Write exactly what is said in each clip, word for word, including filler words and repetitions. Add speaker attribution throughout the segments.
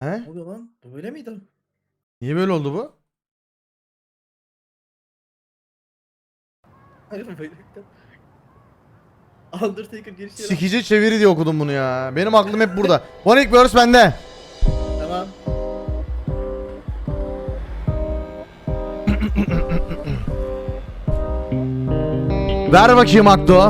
Speaker 1: He?
Speaker 2: Ne oluyor lan? Bu böyle miydi?
Speaker 1: Niye böyle oldu bu?
Speaker 2: Hayır böyle miydi? Undertaker girişi yap.
Speaker 1: Sikici çeviri diye okudum bunu ya. Benim aklım hep burada. One ilk verse bende.
Speaker 2: Tamam.
Speaker 1: Ver bakayım Akdo.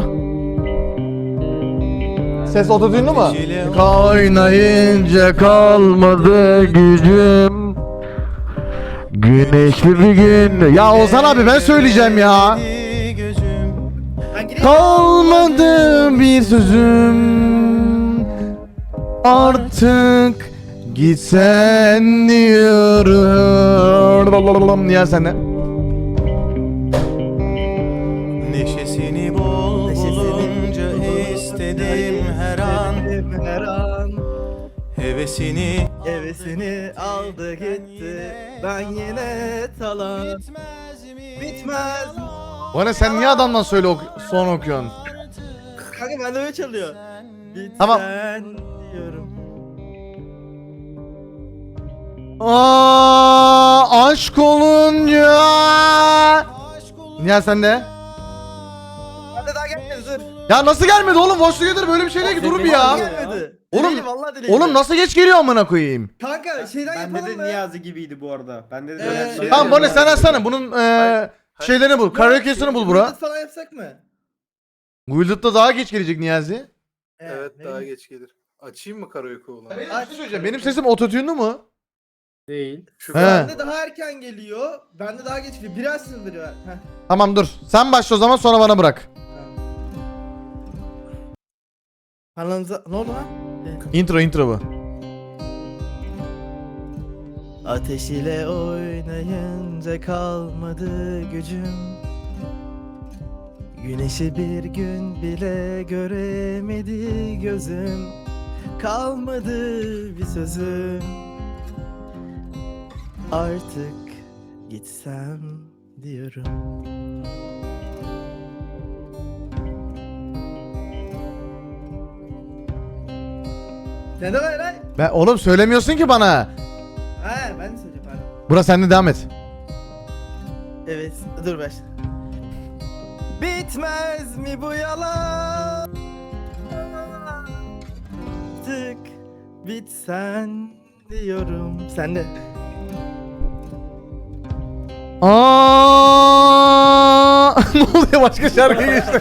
Speaker 1: Ses otodünlü mu? Kaynayınca kalmadı gücüm. Güneşli bir gün. Ya Ozan abi ben söyleyeceğim ya.
Speaker 2: Ben gireyim.
Speaker 1: Kalmadı bir sözüm. Artık gitsen diyorum. Niye sen de?
Speaker 3: Neşesini bol bulunca istedim her an.
Speaker 2: Her an.
Speaker 3: Hevesini
Speaker 2: Hevesini aldı gitti. Ben yine talan. Bitmez.
Speaker 1: Bana sen niye adamdan söyle ok son okuyorsun?
Speaker 2: Kanka bende öyle çalıyor. Bitsen
Speaker 1: Tamam.
Speaker 2: diyorum.
Speaker 1: Aa, aşk olunca. Niye sen de?
Speaker 2: Bende daha gelmedi dur.
Speaker 1: Ya nasıl gelmedi oğlum? Watch Together böyle bir şey değil ki, durun bir
Speaker 2: Daha
Speaker 1: ya.
Speaker 2: gelmedi.
Speaker 1: Oğlum-
Speaker 2: Değilim, vallahi değilim.
Speaker 1: Oğlum nasıl geç geliyor amına koyayım?
Speaker 2: Kanka şeyden
Speaker 4: Bende
Speaker 2: yapalım
Speaker 4: de
Speaker 2: mı?
Speaker 4: Niyazi gibiydi bu arada. Bende de
Speaker 2: Ee,
Speaker 4: öyle bir şey
Speaker 1: Tamam
Speaker 4: var.
Speaker 1: Bonnie sen açsana bunun eee şeylerini bul. Karaoke'sini bul bura.
Speaker 2: Yıldız falan yapsak mı?
Speaker 1: Guilded'da daha geç gelecek Niyazi.
Speaker 5: Evet
Speaker 2: ne
Speaker 5: daha
Speaker 2: bileyim.
Speaker 5: geç gelir. Açayım mı karaoke olan?
Speaker 1: Bir şey söyleyeceğim. Benim sesim ototune'lu mu?
Speaker 4: Değil.
Speaker 5: Şu
Speaker 1: He.
Speaker 2: Bende daha erken geliyor. Bende daha geç geliyor. Biraz sınırı var. Heh.
Speaker 1: Tamam dur. Sen başla o zaman, sonra bana bırak.
Speaker 2: Kanalınıza... Ne oldu lan?
Speaker 1: Intro intro bu.
Speaker 2: Ateş ile oynayınca kalmadı gücüm. Güneşi bir gün bile göremedi gözüm. Kalmadı bir sözüm. Artık gitsem diyorum. Sen de var lan.
Speaker 1: Ben, oğlum söylemiyorsun ki bana.
Speaker 2: Ha ben de söyleyeyim pardon.
Speaker 1: Bura sende, devam et.
Speaker 2: Evet, dur baş. Bitmez mi bu yalan? Tık bitsen diyorum. Sen de.
Speaker 1: Aa, ne oluyor, başka şarkı geçti.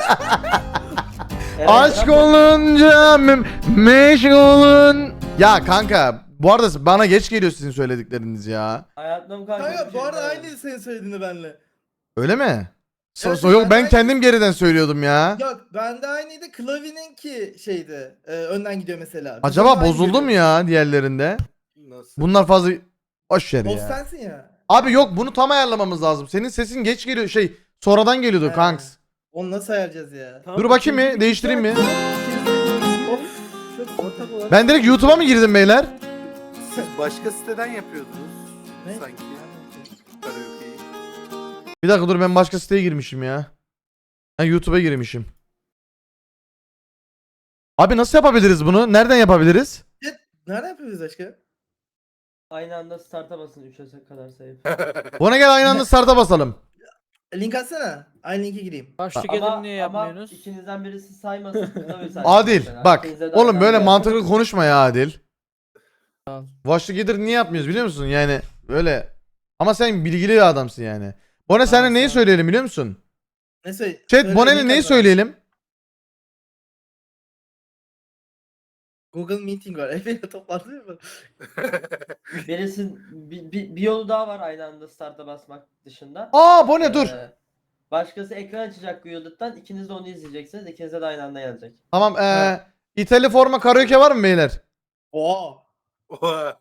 Speaker 1: Aşk olunca me- meşgulun. Ya kanka bu arada bana geç geliyor sizin söyledikleriniz ya.
Speaker 6: Hayatım kanka.
Speaker 2: Kanka bu arada aynı senin söylediğini benle.
Speaker 1: Öyle mi? So,
Speaker 2: Evet,
Speaker 1: so- yok
Speaker 2: ben
Speaker 1: ben
Speaker 2: aynı-
Speaker 1: kendim geriden söylüyordum ya.
Speaker 2: Yok bende aynıydı. Klavyeninki şeydi. E, önden gidiyor mesela. Bizim
Speaker 1: Acaba
Speaker 2: aynı
Speaker 1: bozuldu
Speaker 2: gidiyor.
Speaker 1: mu ya diğerlerinde?
Speaker 5: Nasıl?
Speaker 1: Bunlar fazla boş ver
Speaker 2: Boz
Speaker 1: ya.
Speaker 2: sensin ya.
Speaker 1: Abi yok, bunu tam ayarlamamız lazım. Senin sesin geç geliyor, şey sonradan geliyordu
Speaker 2: He.
Speaker 1: kanks.
Speaker 2: Onu nasıl ayarlayacağız ya?
Speaker 1: Dur bakayım mı? Değiştireyim mi?
Speaker 2: Of. Çok ortak olarak.
Speaker 1: Ben direkt YouTube'a mı girdim beyler?
Speaker 5: Siz başka siteden yapıyordunuz
Speaker 2: Ne?
Speaker 5: sanki karaoke'yi.
Speaker 1: Bir dakika dur, ben başka siteye girmişim ya. Ben YouTube'a girmişim. Abi nasıl yapabiliriz bunu? Nereden yapabiliriz?
Speaker 2: Nerede yapıyoruz başka?
Speaker 6: Aynı anda start'a basın üçe kadar sayıp.
Speaker 1: Ona gel aynı anda start'a basalım.
Speaker 2: Link atsana. Aynı linke gireyim.
Speaker 7: Baş
Speaker 6: ama,
Speaker 7: tüketim niye
Speaker 6: ama
Speaker 7: yapmıyorsunuz?
Speaker 6: ikinizden birisi saymasın. kıza bir saysın
Speaker 1: Adil
Speaker 6: mesela.
Speaker 1: bak
Speaker 6: İkinize de
Speaker 1: oğlum
Speaker 6: aynı
Speaker 1: böyle
Speaker 6: anda.
Speaker 1: mantıklı konuşma ya Adil.
Speaker 7: Tamam.
Speaker 1: Watch Together niye yapmıyoruz biliyor musun? Yani böyle, ama sen bilgili bir adamsın yani. Bone sana
Speaker 7: Tamam,
Speaker 1: neyi
Speaker 7: tamam.
Speaker 1: söyleyelim biliyor musun?
Speaker 2: Ne söyle?
Speaker 1: Chat
Speaker 2: söyle,
Speaker 1: Bone'le
Speaker 2: link
Speaker 1: neyi
Speaker 2: at bana.
Speaker 1: söyleyelim?
Speaker 2: Google Meeting var. Efe'yle toplantı mı?
Speaker 6: Birisi bir, bir, bir yolu daha var aynı anda start'a basmak dışında.
Speaker 1: Aa Bone dur.
Speaker 6: Ee, Başkası ekran açacak Wielded'dan. İkiniz de onu izleyeceksiniz. İkinize de aynı anda gelecek.
Speaker 1: Tamam eee İtalya forma karaoke var mı beyler?
Speaker 2: Oo.
Speaker 5: Oha.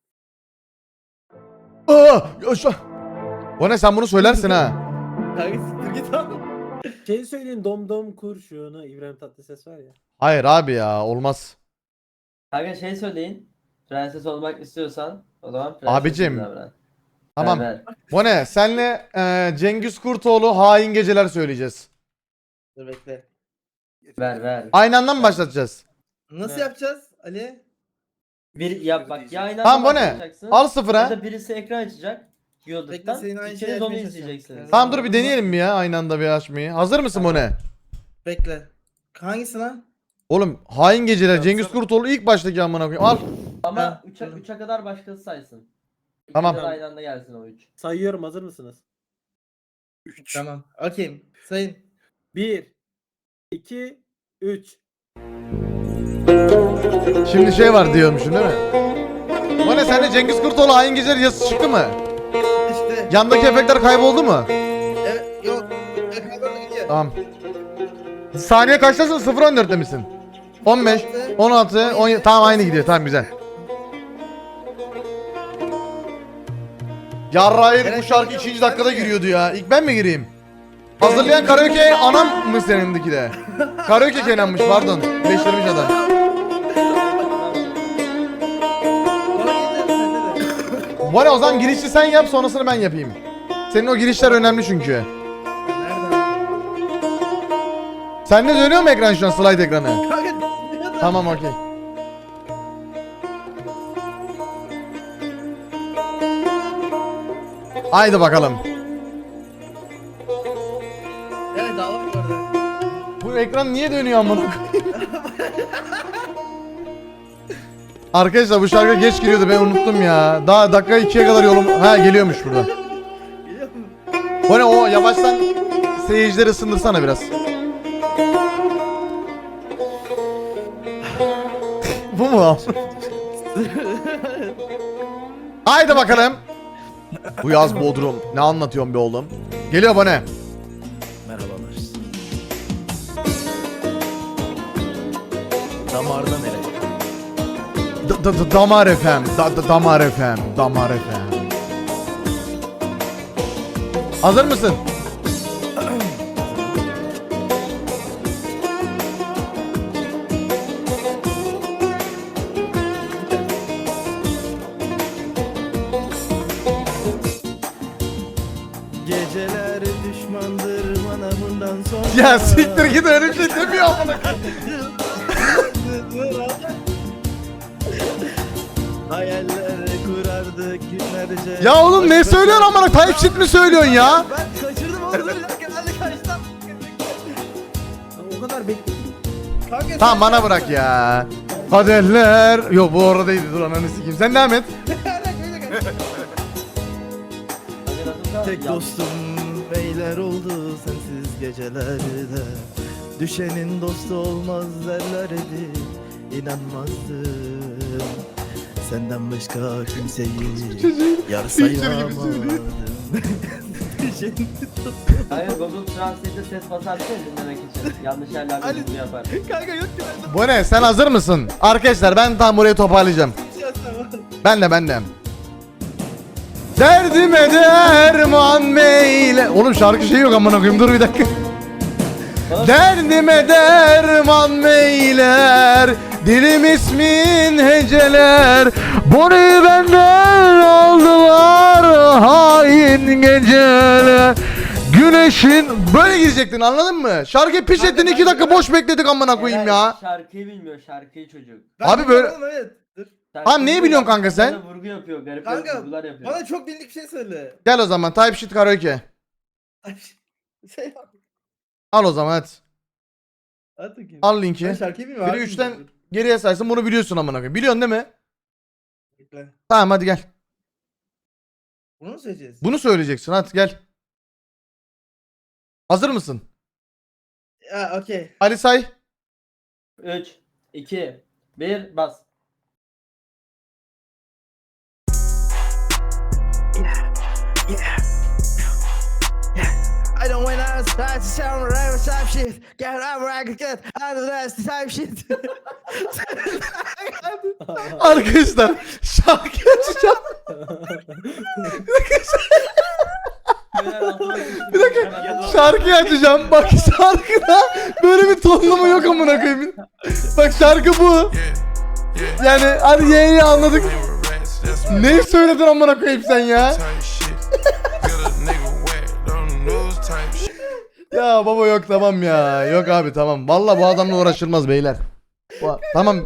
Speaker 1: Aa, yaşa. Bone sen bunu söylersin ha.
Speaker 2: Kanka siktir git abi.
Speaker 7: Şey söyleyin, dom dom kurşunu İbrahim Tatlıses var ya.
Speaker 1: Hayır abi ya, olmaz.
Speaker 6: Kanka şey söyleyin. Prenses olmak istiyorsan o zaman prenses
Speaker 1: Abicim,
Speaker 6: davran.
Speaker 1: Tamam.
Speaker 6: Ver, ver.
Speaker 1: Bone senle eee, Cengiz Kurtoğlu hain geceler söyleyeceğiz.
Speaker 2: Dur bekle.
Speaker 6: Ver ver.
Speaker 1: Aynı anda mı başlatacağız?
Speaker 2: Nasıl
Speaker 7: Evet.
Speaker 2: yapacağız Ali?
Speaker 6: Bir ya bak ya aynı
Speaker 1: Tamam,
Speaker 6: anda
Speaker 1: bu ne?
Speaker 6: başlayacaksın,
Speaker 1: Al
Speaker 6: Ya
Speaker 1: sıfıra.
Speaker 6: da birisi ekran açacak.
Speaker 2: Bekle,
Speaker 6: Yoldaştan.
Speaker 2: senin aynı şeyi
Speaker 6: İkiniz onu
Speaker 2: açmaya çalışacağım.
Speaker 6: izleyeceksiniz.
Speaker 1: Tamam dur bir deneyelim bir ya aynı anda bir açmayı. Hazır mısın bu ne?
Speaker 2: Bekle. Hangisi lan?
Speaker 1: Oğlum hain geceler Cengiz Kurtoğlu ilk baştaki amına koyayım. Al.
Speaker 6: Ama
Speaker 2: Ha,
Speaker 6: üçe
Speaker 2: dur.
Speaker 6: üçe kadar başkası saysın.
Speaker 1: Tamam.
Speaker 6: İkiniz de aynı anda gelsin o üç.
Speaker 7: Sayıyorum, hazır mısınız?
Speaker 5: üç.
Speaker 2: Tamam. Okeyim. Sayın.
Speaker 7: bir, iki, üç.
Speaker 1: Şimdi şey var diyormuşsun değil mi? Bu ne sende Cengiz Kurtoğlu hain geceler yazısı çıktı mı?
Speaker 2: İşte.
Speaker 1: Yandaki efektler kayboldu mu?
Speaker 2: Evet. Yok. Ekranlarına gidiyor.
Speaker 1: Tamam. Saniye kaçtasın? sıfır on dörtte misin? on beş, on altı, on yedi. Tamam aynı gidiyor. Tamam güzel. Yarrayır bu şarkı ikinci dakikada giriyordu ya. İlk ben mi gireyim? Hazırlayan karaoke anam mı senindeki de? Karaoke Kenan'mış pardon. Leştirmiş adam.
Speaker 2: Bana gelir sende de.
Speaker 1: Bu ne o zaman girişi sen yap sonrasını ben yapayım. Senin o girişler önemli çünkü.
Speaker 2: Nereden?
Speaker 1: Sende dönüyor mu ekran şu an slide ekranı?
Speaker 2: Kanka. nereden?
Speaker 1: Tamam okey. Haydi bakalım.
Speaker 2: Evet daha var orada.
Speaker 1: Bu ekran niye dönüyor amına koyayım? Arkadaşlar bu şarkı geç giriyordu ben unuttum ya. Daha dakika ikiye kadar yolum... Ha geliyormuş burada.
Speaker 2: Biliyor musun?
Speaker 1: Bu ne o yavaştan seyircileri ısındırsana biraz. Bu mu? Haydi bakalım. Bu yaz Bodrum. Ne anlatıyorsun be oğlum? Geliyor bu ne?
Speaker 3: Merhabalar. Damarda nereye?
Speaker 1: D- d- d- damar efem. Da- da- damar efem. Damar efem. Hazır mısın?
Speaker 3: Geceler düşmandır bana bundan sonra.
Speaker 1: Ya siktir git öyle bir şey demiyor amına.
Speaker 3: Hayaller kurardık günlerce.
Speaker 1: Ya oğlum ne söylüyorsun amına? Type shit mi söylüyorsun ya?
Speaker 3: Ben kaçırdım onu. Bir dakika hadi kaçtım.
Speaker 7: O kadar bekledim.
Speaker 2: Kanka
Speaker 1: Tamam bana bırak ya. Kaderler. Yok bu oradaydı dur ananı sikeyim. Sen devam et.
Speaker 3: Tek dostum beyler oldu sensiz gecelerde. Düşenin dostu olmaz derlerdi. İnanmazdım. Senden başka kimseyi yar sayamadım. Düşenin
Speaker 6: Hayır Google Translate'de ses basarsın dinlemek için. Yanlış yerlerde bunu yapar.
Speaker 3: kanka yok ki ben de.
Speaker 1: Bu ne? Sen hazır mısın? Arkadaşlar ben tam burayı toparlayacağım. Ben de ben de. Derdime derman meyle. Oğlum şarkı şey yok amına koyayım dur bir dakika. Derdime derman meyler. Dilim ismin heceler. Bunu benden aldılar hain geceler. Güneşin böyle girecektin anladın mı? Şarkıyı piç ettin iki dakika boş bekledik amına koyayım ya.
Speaker 6: Şarkıyı bilmiyor şarkıyı çocuk.
Speaker 1: Abi böyle-
Speaker 2: Evet. Dur.
Speaker 6: Şarkıyı
Speaker 1: neyi
Speaker 6: bilmiyor,
Speaker 1: biliyorsun kanka sen?
Speaker 6: bana Vurgu yapıyor garip
Speaker 2: Kanka
Speaker 6: vurgular yapıyor.
Speaker 2: bana çok bildik bir şey söyle.
Speaker 1: Gel o zaman type shit karaoke.
Speaker 2: Ay, şey yap.
Speaker 1: Al o zaman hadi.
Speaker 2: At bakayım.
Speaker 1: Al
Speaker 2: Ben
Speaker 1: linki.
Speaker 2: şarkıyı bilmiyorum.
Speaker 1: Biri
Speaker 2: abi.
Speaker 1: üçten geriye saysın bunu biliyorsun amına koyayım. Biliyorsun değil mi?
Speaker 2: Bekle.
Speaker 1: Tamam hadi gel.
Speaker 2: Bunu mu söyleyeceğiz?
Speaker 1: Bunu söyleyeceksin hadi gel. Hazır mısın?
Speaker 2: Ya okey.
Speaker 1: Ali say.
Speaker 6: üç, iki, bir bas.
Speaker 3: I don't win out, that's the sound of rap type shit. Get out where I can get out of that type shit.
Speaker 1: Arkadaşlar şarkı açacağım. Bir dakika şarkıyı açacağım. Bak şarkıda böyle bir tonlama yok amına koyayım. Bak şarkı bu. Yani hadi yeğeyi anladık. Ne söyledin amına koyayım sen ya? Ya baba yok tamam ya. Yok abi tamam. Vallahi bu adamla uğraşılmaz beyler. Bu- Tamam